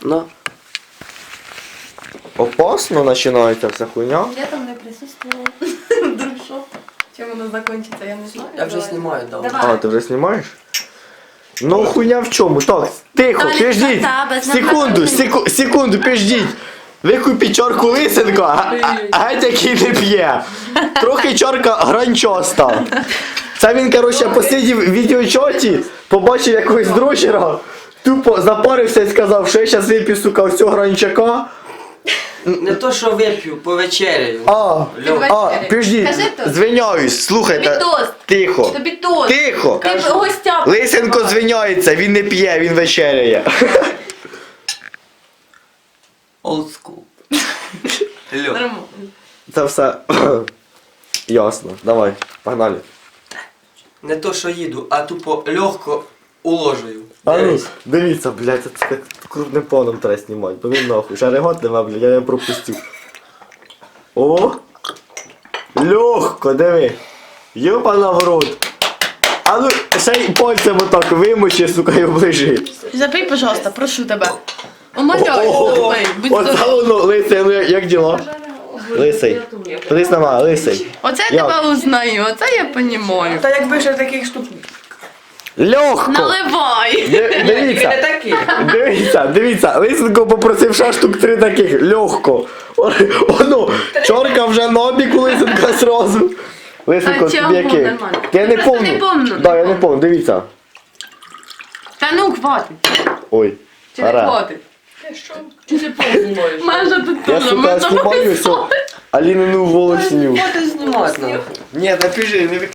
На. Опасно починається вся хуйня. Я там не присутствувала. Вдруг що? Чим воно закінчиться, я не знаю. Я вже знімаю, давай. Давай. А, ти вже знімаєш? Ну хуйня в чому? Так, тихо, Та не піждіть. та, без Секунду, нападів. секунду, піждіть. Викупіть чорку Лисенко, геть який не п'є. Трохи чорка гранчоста. Це він, коротше, посидів в відеочоті, побачив якогось дрочера, тупо запарився і сказав, що я зараз вип'ю, сука, ось цього гранчака. Не то, що вип'ю, повечеряю. Піждіть, Кажи тост. звиняюсь, слухайте. Тобі тост. Тихо. Тобі тост. Тихо. Ти б гостя. Лисенко звиняється, він не п'є, він вечеряє. Old school. Льо. Нормально. Це все ясно. Давай, погнали. Не то, що їду, а тупо легко уложую. А ну, Дивись. дивіться, блядь, це так крупним планом треба знімати, бо він нахуй. Ще регот нема, блядь, я його пропустив. О! Легко, диви. Йопана в рот. А ну, ще й пальцем отак вимочи, сука, і оближи. Запий, пожалуйста, прошу тебе. Умоляю, О, запий. Будь оце здоров. воно, Лисий, ну як діла? Лисий. Подивись на мене, Лисий. Оце я Як? тебе узнаю, оце я понімаю. Та якби ще таких штук. Легко! Наливай. Дивіться. Дивіться, Лисенко попросив ще штук 3 таких, легко. Оно, чорка вже на обіку Лисенка зразу. Лисенко, А тобі чого? який? Нормально. Я не Просто помню. не помню, Да, не я не помню, дивіться. Та ну, хватить. Ой. Чи не Ара. хватить? Чи ти познімаєш? Майже тут Я, теж. сука, знімаю все. Алінину волосню. Хватить знімати нахуй. Ні, напиши, не